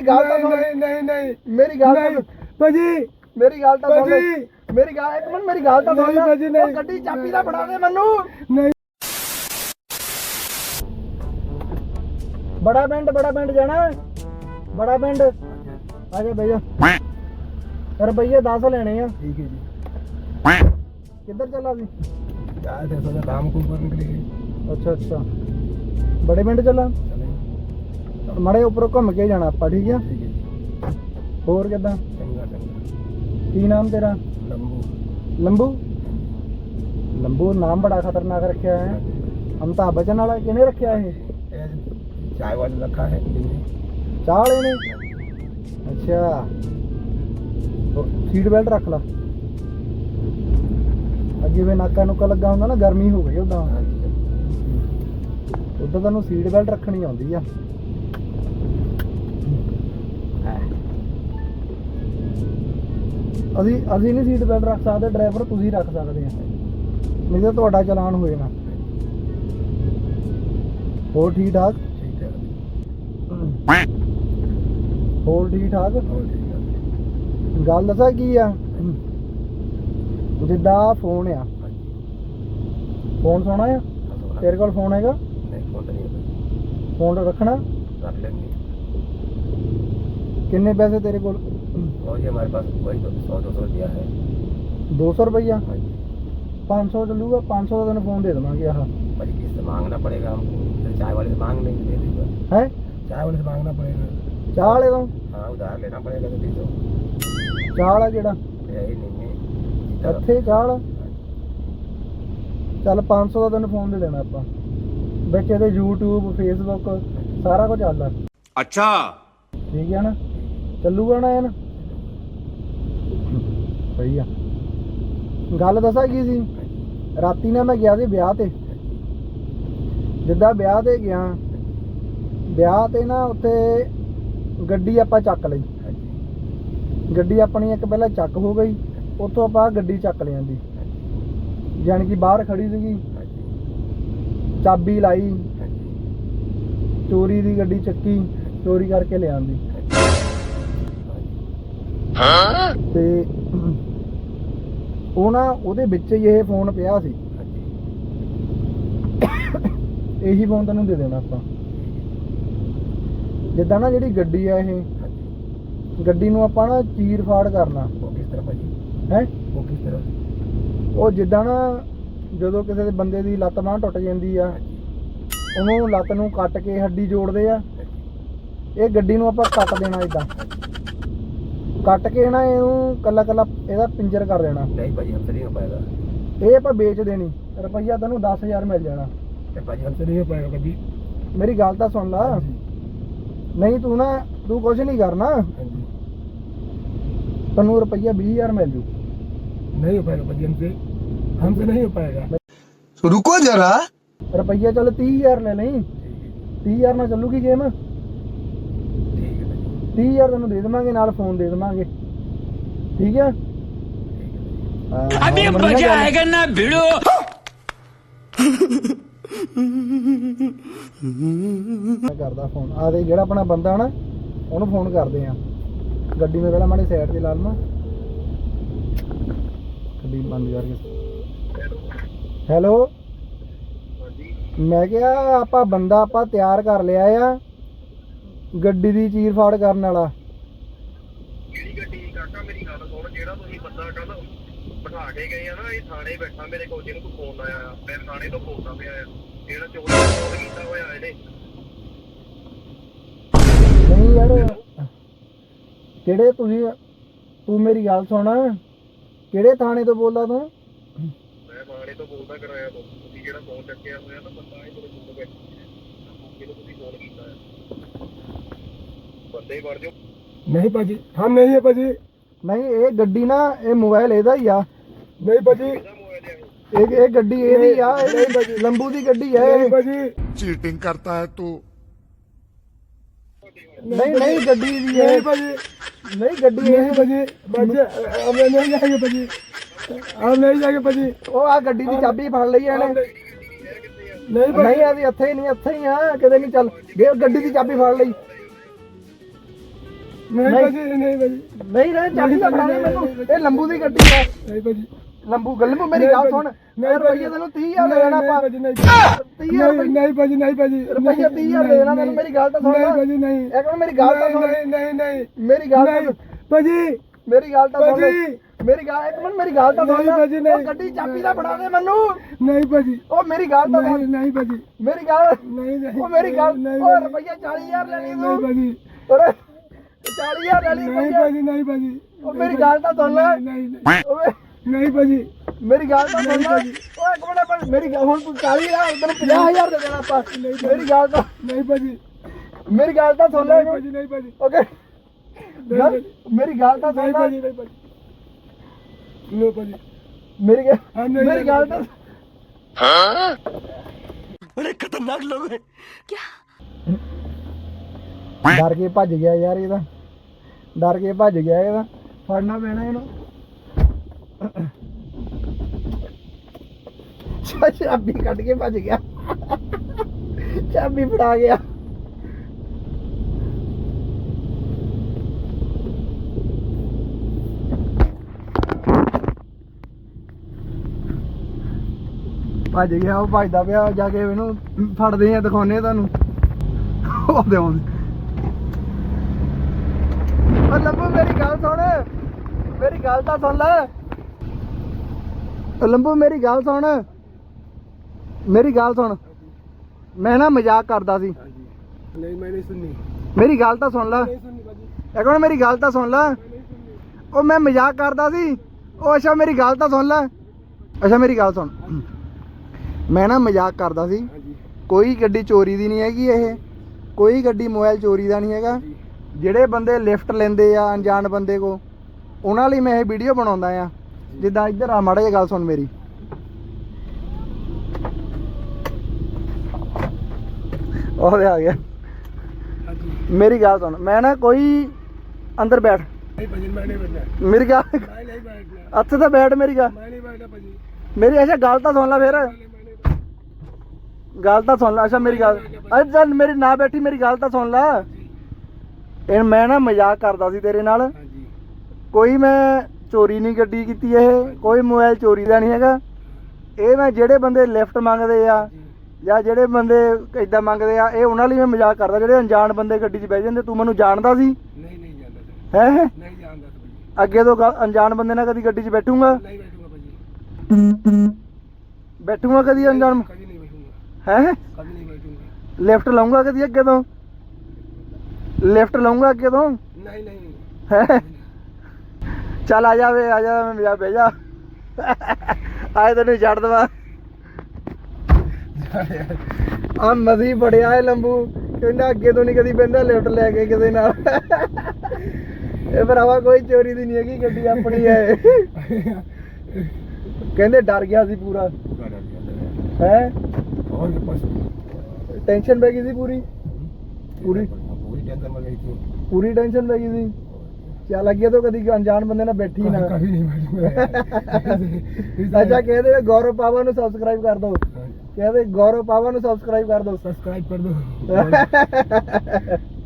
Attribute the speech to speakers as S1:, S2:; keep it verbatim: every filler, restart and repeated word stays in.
S1: ਗੱਲ ਤਾਂ ਸੁਣ
S2: ਨਹੀਂ ਨਹੀਂ ਨਹੀਂ
S1: ਮੇਰੀ ਗੱਲ ਤਾਂ
S2: ਭਾਜੀ
S1: ਮੇਰੀ ਗੱਲ ਤਾਂ ਸੁਣ
S2: ਭਾਜੀ
S1: ਮੇਰੀ ਗੱਲ ਇੱਕ ਮਿੰਟ ਮੇਰੀ ਗੱਲ ਤਾਂ ਸੁਣ
S2: ਨਹੀਂ ਭਾਜੀ ਨਹੀਂ
S1: ਗੱਡੀ ਚਾਬੀ ਦਾ ਫੜਾ ਦੇ ਮੈਨੂੰ
S2: ਨਹੀਂ
S1: ਬੜਾ ਪਿੰਡ ਬੜਾ ਪਿੰਡ ਜਾਣਾ ਬੜਾ ਪਿੰਡ ਆ ਜਾ ਬਈ ਜਾ ਰੁਪਈਏ ਦਸ ਲੈਣੇ ਆ
S2: ਠੀਕ ਹੈ ਜੀ
S1: ਕਿੱਧਰ ਚੱਲਾ ਸੀ
S2: यार थे सोचा काम को करने के लिए
S1: ਅੱਛਾ ਅੱਛਾ ਬੜੇ ਪਿੰਡ ਚੱਲਾ
S2: चले
S1: ਮੜੇ ਉੱਪਰੋਂ ਘੁੰਮ ਕੇ ਜਾਣਾ ਆਪਾਂ ਠੀਕ ਆ
S2: ठीक है जी
S1: ਹੋਰ ਕਿੱਦਾਂ
S2: चंगा चंगा
S1: ਕੀ ਨਾਮ ਤੇਰਾ
S2: लंबू
S1: ਲੰਬੂ ਲੰਬੂ ਨਾਮ ਬੜਾ ਖਤਰਨਾਕ ਰੱਖਿਆ ਹੈ ਅਮਤਾਬ ਬਚਨ ਵਾਲਾ ਕਿਹਨੇ ਰੱਖਿਆ ਇਹ
S2: ये चाय वाले रखा है
S1: ਚਾਹ ਵਾਲੇ ਨੇ ਅੱਛਾ ਸੀਟ ਬੈਲਟ ਰੱਖ ਲਾ ਅੱਗੇ ਵੇ ਨਾਕਾ ਨੁਕਾ ਲੱਗਾ ਹੁੰਦਾ ਨਾ ਗਰਮੀ ਹੋ ਗਈ ਉਦਾਂ ਉਦਾਂ ਤੁਹਾਨੂੰ ਸੀਟ ਬੈਲਟ ਰੱਖਣੀ ਆਉਂਦੀ ਆ ਅਸੀਂ ਅਸੀਂ ਨਹੀਂ ਸੀਟ ਬੈਲਟ ਰੱਖ ਸਕਦੇ ਡਰਾਈਵਰ ਤੁਸੀਂ ਰੱਖ ਸਕਦੇ ਆ ਨਹੀਂ ਤਾਂ ਤੁਹਾਡਾ ਚਲਾਨ ਹੋ ਜਾਣਾ ਹੋਰ ਠੀਕ ਠਾਕ
S2: ठीक है
S1: ਹੋਰ ਠੀਕ ਠਾਕ
S2: और ठीक है
S1: ਗੱਲ ਦੱਸਾਂ ਕੀ ਆ ਜਿੱਦਾਂ ਫੋਨ ਆ ਫੋਨ ਸੋਹਣਾ ਆ ਤੇਰੇ ਕੋਲ ਫੋਨ ਹੈਗਾ
S2: नहीं फोन नहीं है
S1: ਫੋਨ ਰੱਖਣਾ
S2: रख लेंगे
S1: ਕਿੰਨੇ ਪੈਸੇ ਤੇਰੇ ਕੋਲ
S2: और ये हमारे पास वही तो सौ दो सौ रुपया है
S1: ਦੋ ਸੌ ਰੁਪਈਆ
S2: हाँ जी
S1: ਪੰਜ ਸੌ ਚੱਲੂਗਾ ਪੰਜ सौ ਦਾ ਤੈਨੂੰ ਫੋਨ ਦੇ ਦੇਵਾਂਗੇ ਆਹ
S2: भाई किससे मांगना पड़ेगा हमको फिर चाय वाले से मांग लेंगे दे देगा
S1: ਹੈ
S2: चाय वाले से मांगना पड़ेगा
S1: ਚਾਹ ਵਾਲੇ ਤੋਂ
S2: हाँ उधार लेना पड़ेगा तो दे दो
S1: ਚਾਹ ਵਾਲਾ ਕਿਹੜਾ
S2: यही नहीं है
S1: ਇੱਥੇ ਚਾਹ ਵਾਲਾ ਚੱਲ ਪੰਜ ਸੌ ਦਾ ਤੈਨੂੰ ਫੋਨ ਦੇ ਦੇਣਾ ਆਪਾਂ ਵਿੱਚ ਇਹਦੇ YouTube Facebook ਸਾਰਾ ਕੁਝ ਚੱਲਦਾ
S3: अच्छा
S1: ਠੀਕ ਹੈ ਨਾ ਚੱਲੂਗਾ ਨਾ ਇਹ ਨਾ ਸਹੀ ਆ ਗੱਲ ਦੱਸਾਂ ਕੀ ਸੀ ਰਾਤੀ ਨਾ ਮੈਂ ਗਿਆ ਸੀ ਵਿਆਹ ਤੇ ਜਿੱਦਾਂ ਵਿਆਹ ਤੇ ਗਿਆ ਵਿਆਹ ਤੇ ਨਾ ਉੱਥੇ ਗੱਡੀ ਆਪਾਂ ਚੱਕ ਲਈ ਗੱਡੀ ਆਪਣੀ ਇੱਕ ਪਹਿਲਾਂ ਚੱਕ ਹੋ ਗਈ ਉੱਥੋਂ ਆਪਾਂ ਗੱਡੀ ਚੱਕ ਲਿਆਂਦੀ ਜਾਣੀ ਕਿ ਬਾਹਰ ਖੜੀ ਸੀਗੀ ਚਾਬੀ ਲਾਈ ਚੋਰੀ ਦੀ ਗੱਡੀ ਚੱਕੀ ਚੋਰੀ ਕਰਕੇ ਲਿਆਂਦੀ ਤੇ ਉਹ ਨਾ ਉਹਦੇ ਵਿੱਚ ਹੀ ਇਹ ਫੋਨ ਪਿਆ ਸੀ ਇਹੀ ਫੋਨ ਤੈਨੂੰ ਦੇ ਦੇਣਾ ਆਪਾਂ ਜਿੱਦਾਂ ਨਾ ਜਿਹੜੀ ਗੱਡੀ ਆ ਇਹ ਗੱਡੀ ਨੂੰ ਆਪਾਂ ਨਾ ਚੀਰ ਫਾੜ ਕਰਨਾ
S2: वो किस तरह भाजी
S1: ਹੈ
S2: वो किस तरह
S1: ਉਹ ਜਿੱਦਾਂ ਨਾ ਜਦੋਂ ਕਿਸੇ ਦੇ ਬੰਦੇ ਦੀ ਲੱਤ ਬਾਂਹ ਟੁੱਟ ਜਾਂਦੀ ਆ ਉਹਨੂੰ ਲੱਤ ਨੂੰ ਕੱਟ ਕੇ ਹੱਡੀ ਜੋੜਦੇ ਆ ਇਹ ਗੱਡੀ ਨੂੰ ਆਪਾਂ ਕੱਟ ਦੇਣਾ ਇਦਾਂ ਕੱਟ ਕੇ ਨਾ ਇਹਨੂੰ ਕੱਲਾ ਕੱਲਾ ਇਹਦਾ ਪਿੰਜਰ ਕਰ ਦੇਣਾ
S2: नहीं भाजी हमसे नहीं हो पाएगा
S1: ਇਹ ਆਪਾਂ ਵੇਚ ਦੇਣੀ ਰੁਪਈਆ ਤੈਨੂੰ ਦਸ ਹਜ਼ਾਰ ਮਿਲ ਜਾਣਾ
S2: नहीं भाजी हमसे नहीं हो पाएगा भाजी
S1: ਮੇਰੀ ਗੱਲ ਤਾਂ ਸੁਣ ਲਾ ਨਹੀਂ ਤੂੰ ਨਾ ਤੂੰ ਕੁਝ ਨਹੀਂ ਕਰਨਾ
S2: हाँ जी
S1: ਤੈਨੂੰ ਰੁਪਈਆ ਵੀਹ ਹਜ਼ਾਰ ਮਿਲ ਜੂ
S2: नहीं हो पाएगा भाजी हमसे हमसे नहीं हो पाएगा
S3: रुको जरा
S1: ਰੁਪਈਆ ਚੱਲ ਤੀਹ ਹਜ਼ਾਰ ਲੈ ਲਈ ਤੀਹ ਹਜ਼ਾਰ ਨਾਲ ਚੱਲੂਗੀ ਗੇਮ
S2: ठीक है भाजी
S1: ਤੀਹ ਹਜ਼ਾਰ ਤੈਨੂੰ ਦੇ ਦੇਵਾਂਗੇ ਨਾਲ ਫੋਨ ਦੇ ਦੇਵਾਂਗੇ ਠੀਕ ਹੈ
S3: अभी मजा आएगा ना भिड़ो
S1: ਮੈਂ ਕਰਦਾ ਫੋਨ ਆ ਦੇ ਜਿਹੜਾ ਆਪਣਾ ਬੰਦਾ ਨਾ ਉਹਨੂੰ ਫੋਨ ਕਰਦੇ ਆ ਗੱਡੀ ਨੂੰ ਪਹਿਲਾਂ ਮਾੜੀ ਸਾਈਡ ਤੇ ਲਾ ਲਵਾਂ ਗੱਡੀ ਬੰਦ ਕਰਕੇ ਹੈਲੋ ਮੈਂ ਕਿਹਾ ਆਪਾਂ ਬੰਦਾ ਆਪਾਂ ਤਿਆਰ ਕਰ ਲਿਆ ਆ ਗੱਡੀ ਦੀ ਚੀਰ ਫਾੜ ਕਰਨ ਵਾਲਾ
S4: ਕਿਹੜੀ ਗੱਡੀ ਕਾਕਾ ਮੇਰੀ ਗੱਲ ਸੁਣ ਜਿਹੜਾ ਤੁਸੀਂ ਬੰਦਾ ਕੱਲ ਬਿਠਾ ਕੇ ਗਏ ਆ ਨਾ ਇਹ ਥਾਣੇ ਬੈਠਾ ਮੇਰੇ ਕੋਲ ਜਿਹਨੂੰ ਤੂੰ ਫੋਨ ਲਾਇਆ ਆ ਮੈਂ ਥਾਣੇ ਤੋਂ ਬੋਲਦਾ ਪਿਆ ਆ ਜਿਹੜਾ ਚੋਰੀ ਦਾ ਫੋਨ ਕੀਤਾ ਹੋਇਆ ਇਹਨੇ
S1: ਨਹੀਂ ਯਾਰ ਕਿਹੜੇ ਤੁਸੀਂ ਤੂੰ ਮੇਰੀ ਗੱਲ ਸੁਣ ਕਿਹੜੇ ਥਾਣੇ ਤੋਂ ਬੋਲਦਾ ਤੂੰ
S4: ਮੈਂ ਥਾਣੇ ਤੋਂ ਬੋਲਦਾ ਕਰਾਇਆ ਤੋਂ ਤੁਸੀਂ ਜਿਹੜਾ ਫੋਨ ਚੱਕਿਆ ਹੋਇਆ ਨਾ ਬੰਦਾ ਇਹ ਮੇਰੇ ਕੋਲ ਬੈਠਾ ਜਿਹਨੂੰ ਤੁਸੀਂ ਫੋਨ ਕੀਤਾ ਆ ਬੰਦੇ ਹੀ ਵੜ ਜਾਓ
S2: नहीं भाजी हम नहीं है भाजी
S1: ਨਹੀਂ ਇਹ ਗੱਡੀ ਨਾ ਇਹ ਮੋਬਾਈਲ ਇਹਦਾ ਹੀ ਆ
S2: नहीं भाजी
S4: ਇਹਦਾ ਮੋਬਾਈਲ ਆ
S1: ਇਹ ਇਹ ਗੱਡੀ ਇਹਦੀ ਆ ਇਹ ਲੰਬੂ ਦੀ ਗੱਡੀ ਹੈ
S2: नहीं
S1: ਇਹ।
S2: भाजी
S3: चीटिंग करता है तू
S1: ਨਹੀਂ ਨਹੀਂ ਗੱਡੀ ਦੀ ਹੈ
S2: नहीं भाजी
S1: ਨਹੀਂ ਗੱਡੀ
S2: नहीं
S1: ਇਹ
S2: भाजी भाजी हम नहीं जाएंगे भाजी हम नहीं जाएंगे भाजी
S1: ਉਹ ਆ ਗੱਡੀ ਦੀ ਚਾਬੀ ਫੜ ਲਈ ਇਹਨੇ
S2: नहीं भाजी
S1: ਨਹੀਂ ਅਸੀਂ ਇੱਥੇ ਹੀ ਨਹੀਂ ਇੱਥੇ ਹੀ ਆ ਕਿਤੇ ਨਹੀਂ ਚੱਲ ਗੇ ਗੱਡੀ ਦੀ ਚਾਬੀ ਫੜ ਲਈ
S2: ਨਹੀਂ ਭਾਜੀ ਨਹੀਂ ਭਾਜੀ
S1: ਨਹੀਂ ਰੇ ਚਾਬੀ ਨਾ ਫੜਾ ਦੇ ਮੈਨੂੰ ਇਹ ਲੰਬੂ ਦੀ ਗੱਡੀ ਹੈ
S2: ਨਹੀਂ ਭਾਜੀ
S1: ਲੰਬੂ ਗੱਲੂ ਮੇਰੀ ਗੱਲ ਸੁਣ
S2: ਨਹੀਂ
S1: ਰੁਪਈਏ ਤੈਨੂੰ ਤੀਹ ਹਜ਼ਾਰ ਦੇ ਦੇਣਾ ਆਪਾਂ
S2: ਭਾਜੀ ਨਹੀਂ
S1: ਤੀਹ ਹਜ਼ਾਰ
S2: ਨਹੀਂ ਭਾਜੀ ਨਹੀਂ ਭਾਜੀ
S1: ਰੁਪਈਆ ਤੀਹ ਹਜ਼ਾਰ ਦੇ ਦੇਣਾ ਤੈਨੂੰ ਮੇਰੀ ਗੱਲ ਤਾਂ ਸੁਣ
S2: ਨਹੀਂ ਭਾਜੀ ਨਹੀਂ
S1: ਇੱਕ ਮਿੰਟ ਮੇਰੀ ਗੱਲ ਤਾਂ ਸੁਣ
S2: ਨਹੀਂ ਨਹੀਂ ਨਹੀਂ
S1: ਮੇਰੀ ਗੱਲ ਤਾਂ
S2: ਨਹੀਂ ਭਾਜੀ
S1: ਮੇਰੀ ਗੱਲ ਤਾਂ ਸੁਣ
S2: ਭਾਜੀ
S1: ਮੇਰੀ ਗੱਲ ਇੱਕ ਮਿੰਟ ਮੇਰੀ ਗੱਲ ਤਾਂ ਸੁਣ
S2: ਨਹੀਂ ਭਾਜੀ, ਨਹੀਂ।
S1: ਉਹ ਗੱਡੀ ਚਾਬੀ ਦਾ ਫੜਾ ਦੇ ਮੈਨੂੰ
S2: ਨਹੀਂ ਭਾਜੀ
S1: ਉਹ ਮੇਰੀ ਗੱਲ ਤਾਂ ਸੁਣ
S2: ਨਹੀਂ ਨਹੀਂ ਭਾਜੀ
S1: ਮੇਰੀ ਗੱਲ
S2: ਨਹੀਂ ਨਹੀਂ
S1: ਉਹ ਮੇਰੀ ਗੱਲ
S2: ਨਹੀਂ
S1: ਉਹ ਰੁਪਈਆ ਚਾਲੀ ਹਜ਼ਾਰ ਲੈਣੀ
S2: ਨਹੀਂ
S1: ਤੂੰ
S2: ਭਾਜੀ
S1: ਓਏ ਚਾਲੀ ਹਜ਼ਾਰ ਲੈਣੀ
S2: ਨਹੀਂ ਭਾਜੀ ਨਹੀਂ ਭਾਜੀ
S1: ਉਹ ਮੇਰੀ ਗੱਲ ਤਾਂ ਸੁਣ ਲੈ
S2: ਨਹੀਂ ਨਹੀਂ
S1: ਓਏ
S2: ਨਹੀਂ ਭਾਜੀ
S1: ਮੇਰੀ ਗੱਲ ਤਾਂ ਸੁਣ ਲੈ ਓਏ ਇੱਕ ਮਿੰਟ ਪਰ ਮੇਰੀ ਗੱਲ ਹੁਣ ਤੂੰ ਚਾਲੀ ਹਜ਼ਾਰ ਤੈਨੂੰ ਪੰਜਾਹ ਹਜ਼ਾਰ ਦੇ ਦੇਣਾ ਆਪਾਂ ਮੇਰੀ ਗੱਲ ਤਾਂ
S2: ਨਹੀਂ ਭਾਜੀ
S1: ਮੇਰੀ ਗੱਲ ਤਾਂ ਸੁਣ ਲੈ
S2: ਨਹੀਂ ਭਾਜੀ ਨਹੀਂ ਭਾਜੀ
S1: ਓਕੇ ਮੇਰੀ ਗੱਲ ਤਾਂ ਸੁਣ
S2: ਨਹੀਂ
S1: ਲੈ
S2: ਭਾਜੀ ਨਹੀਂ ਭਾਜੀ ਲੋ ਭਾਜੀ
S1: ਮੇਰੀ ਗੱਲ
S2: ਹਾਂ, ਨਹੀਂ,
S1: ਮੇਰੀ ਗੱਲ ਤਾਂ
S3: बड़े खतरनाक लोग हैं
S1: ਡਰ ਕੇ ਭੱਜ ਗਿਆ ਯਾਰ ਇਹਦਾ ਡਰ ਕੇ ਭੱਜ ਗਿਆ ਇਹਦਾ ਫੜਨਾ ਪੈਣਾ ਇਹਨੂੰ ਚਾਬੀ ਕੱਢ ਕੇ ਭੱਜ ਗਿਆ ਚਾਬੀ ਫੜਾ ਗਿਆ ਭੱਜ ਗਿਆ ਉਹ ਭੱਜਦਾ ਪਿਆ ਜਾ ਕੇ ਇਹਨੂੰ ਫੜਦੇ ਆ ਦਿਖਾਉਨੇ ਤੁਹਾਨੂੰ ਉਹਦੇ ਆਉਂਦੇ ਓ ਲੰਬੂ ਮੇਰੀ ਗੱਲ ਸੁਣ ਮੇਰੀ ਗੱਲ ਤਾਂ ਸੁਣ ਲੈ ਓ ਲੰਬੂ ਮੇਰੀ ਗੱਲ ਸੁਣ ਮੇਰੀ ਗੱਲ ਸੁਣ ਮੈਂ ਨਾ ਮਜ਼ਾਕ ਕਰਦਾ ਸੀ
S2: ਨਹੀਂ ਮੈਂ ਨਹੀਂ ਸੁਣਨੀ
S1: ਮੇਰੀ ਗੱਲ ਤਾਂ ਸੁਣ ਲੈ
S2: ਨਹੀਂ ਸੁਣਨੀ ਭਾਜੀ
S1: ਇੱਕ ਮਿੰਟ ਮੇਰੀ ਗੱਲ ਤਾਂ ਸੁਣ ਲੈ
S2: ਨਹੀਂ ਸੁਣਨੀ
S1: ਉਹ ਮੈਂ ਮਜ਼ਾਕ ਕਰਦਾ ਸੀ ਉਹ ਅੱਛਾ ਮੇਰੀ ਗੱਲ ਤਾਂ ਸੁਣ ਲੈ ਅੱਛਾ ਮੇਰੀ ਗੱਲ ਸੁਣ ਮੈਂ ਨਾ ਮਜ਼ਾਕ ਕਰਦਾ ਸੀ
S2: ਹਾਂਜੀ
S1: ਕੋਈ ਗੱਡੀ ਚੋਰੀ ਦੀ ਨਹੀਂ ਹੈਗੀ ਇਹ ਕੋਈ ਗੱਡੀ ਮੋਬਾਈਲ ਚੋਰੀ ਦਾ ਨਹੀਂ ਹੈਗਾ ਜਿਹੜੇ ਬੰਦੇ ਲਿਫਟ ਲੈਂਦੇ ਆ ਅਣਜਾਣ ਬੰਦੇ ਕੋ ਉਹਨਾਂ ਲਈ ਮੈਂ ਇਹ ਵੀਡੀਓ ਬਣਾਉਂਦਾ ਆ ਜਿੱਦਾਂ ਇੱਧਰ ਆ ਮਾੜਾ ਜਿਹਾ ਗੱਲ ਸੁਣ ਮੇਰੀ ਉਹ ਆ ਗਿਆ
S2: ਹਾਂਜੀ
S1: ਮੇਰੀ ਗੱਲ ਸੁਣ ਮੈਂ ਨਾ ਕੋਈ ਅੰਦਰ ਬੈਠ
S2: ਨਹੀਂ ਭਾਜੀ ਮੈਂ ਨਹੀਂ ਬੈਠਣਾ
S1: ਮੇਰੀ ਗੱਲ
S2: ਮੈਂ ਨਹੀਂ ਬੈਠਣਾ
S1: ਇੱਥੇ ਤਾਂ ਬੈਠ ਮੇਰੀ ਗੱਲ
S2: ਮੈਂ ਨਹੀਂ ਬੈਠਣਾ ਭਾਜੀ
S1: ਮੇਰੀ ਅੱਛਾ ਗੱਲ ਤਾਂ ਸੁਣ ਲੈ ਫਿਰ
S2: ਮੈਂ ਨਹੀਂ ਬੈਠਣਾ
S1: ਗੱਲ ਤਾਂ ਸੁਣ ਲੈ ਅੱਛਾ ਮੇਰੀ ਗੱਲ ਅੱਜ ਚੱਲ ਮੇਰੀ ਨਾ ਬੈਠੀ ਮੇਰੀ ਗੱਲ ਤਾਂ ਸੁਣ ਲੈ ਇਹ ਮੈਂ ਨਾ ਮਜ਼ਾਕ ਕਰਦਾ ਸੀ ਤੇਰੇ ਨਾਲ
S2: ਹਾਂਜੀ
S1: ਕੋਈ ਮੈਂ ਚੋਰੀ ਨਹੀਂ ਗੱਡੀ ਕੀਤੀ ਇਹ ਕੋਈ ਮੋਬਾਈਲ ਚੋਰੀ ਦਾ ਨਹੀਂ ਹੈਗਾ ਇਹ ਮੈਂ ਜਿਹੜੇ ਬੰਦੇ ਲਿਫਟ ਮੰਗਦੇ ਆ ਜਾਂ ਜਿਹੜੇ ਬੰਦੇ ਇਦਾਂ ਮੰਗਦੇ ਆ ਇਹ ਉਹਨਾਂ ਲਈ ਮੈਂ ਮਜ਼ਾਕ ਕਰਦਾ ਜਿਹੜੇ ਅਣਜਾਣ ਬੰਦੇ ਗੱਡੀ 'ਚ ਬਹਿ ਜਾਂਦੇ ਤੂੰ ਮੈਨੂੰ ਜਾਣਦਾ ਸੀ
S2: ਨਹੀਂ ਨਹੀਂ ਜਾਂਦਾ ਸਰ
S1: ਹੈ
S2: ਨਹੀਂ ਜਾਣਦਾ ਸਰ ਭਾਜੀ
S1: ਅੱਗੇ ਤੋਂ ਗ- ਅਣਜਾਣ ਬੰਦੇ ਨਾਲ ਕਦੀ ਗੱਡੀ 'ਚ ਬੈਠੂੰਗਾ
S2: ਨਹੀਂ ਬੈਠੂਗਾ ਭਾਜੀ
S1: ਬੈਠੂੰਗਾ ਕਦੀ ਅਣਜਾਣ
S2: ਕਦੀ ਨਹੀਂ ਬੈਠੂਗਾ
S1: ਹੈ
S2: ਕਦੀ ਨਹੀਂ ਬੈਠੂਗਾ
S1: ਲਿਫਟ ਲਊਂਗਾ ਕਦੀ ਅੱਗੇ ਤੋਂ ਲਿਫਟ ਲਊਂਗਾ ਅੱਗੇ ਤੋਂ
S2: ਨਹੀਂ ਨਹੀਂ
S1: ਹੈ ਚੱਲ ਆ ਜਾ ਵੇ ਆ ਜਾ ਮੈਂ ਜਾ ਬਹਿ ਜਾ ਆਏ ਤੈਨੂੰ ਛੱਡ ਦਵਾ ਆ ਮਜ਼ੀ ਬੜਿਆ ਹੈ ਲੰਬੂ ਕਹਿੰਦਾ ਅੱਗੇ ਤੋਂ ਨਹੀਂ ਕਦੀ ਬਹਿੰਦਾ ਲਿਫਟ ਲੈ ਕੇ ਕਿਸੇ ਨਾਲ ਇਹ ਭਰਾਵਾ ਕੋਈ ਚੋਰੀ ਦੀ ਨਹੀਂ ਹੈਗੀ ਗੱਡੀ ਆਪਣੀ ਹੈ ਕਹਿੰਦੇ ਡਰ ਗਿਆ ਸੀ ਪੂਰਾ ਹੈ
S2: और के पास
S1: ਟੈਨਸ਼ਨ ਪੈ ਗਈ ਸੀ ਪੂਰੀ पूरी
S2: पूरी टेंशन में गई थी
S1: ਪੂਰੀ ਟੈਨਸ਼ਨ ਪੈ ਗਈ ਸੀ ਚੱਲ ਅੱਗੇ ਤੋਂ ਕਦੀ ਅਣਜਾਣ ਬੰਦੇ ਨਾਲ ਬੈਠੀ ਨਾ
S2: कभी नहीं बैठूंगा
S1: ਅੱਛਾ ਕਹਿੰਦੇ ਗੌਰਵ ਪਾਵਾ ਨੂੰ ਸਬਸਕ੍ਰਾਈਬ ਕਰ ਦਿਓ ਕਹਿੰਦੇ ਗੌਰਵ ਪਾਵਾ ਨੂੰ ਸਬਸਕ੍ਰਾਈਬ ਕਰ ਦਿਓ
S2: सब्सक्राइब कर दो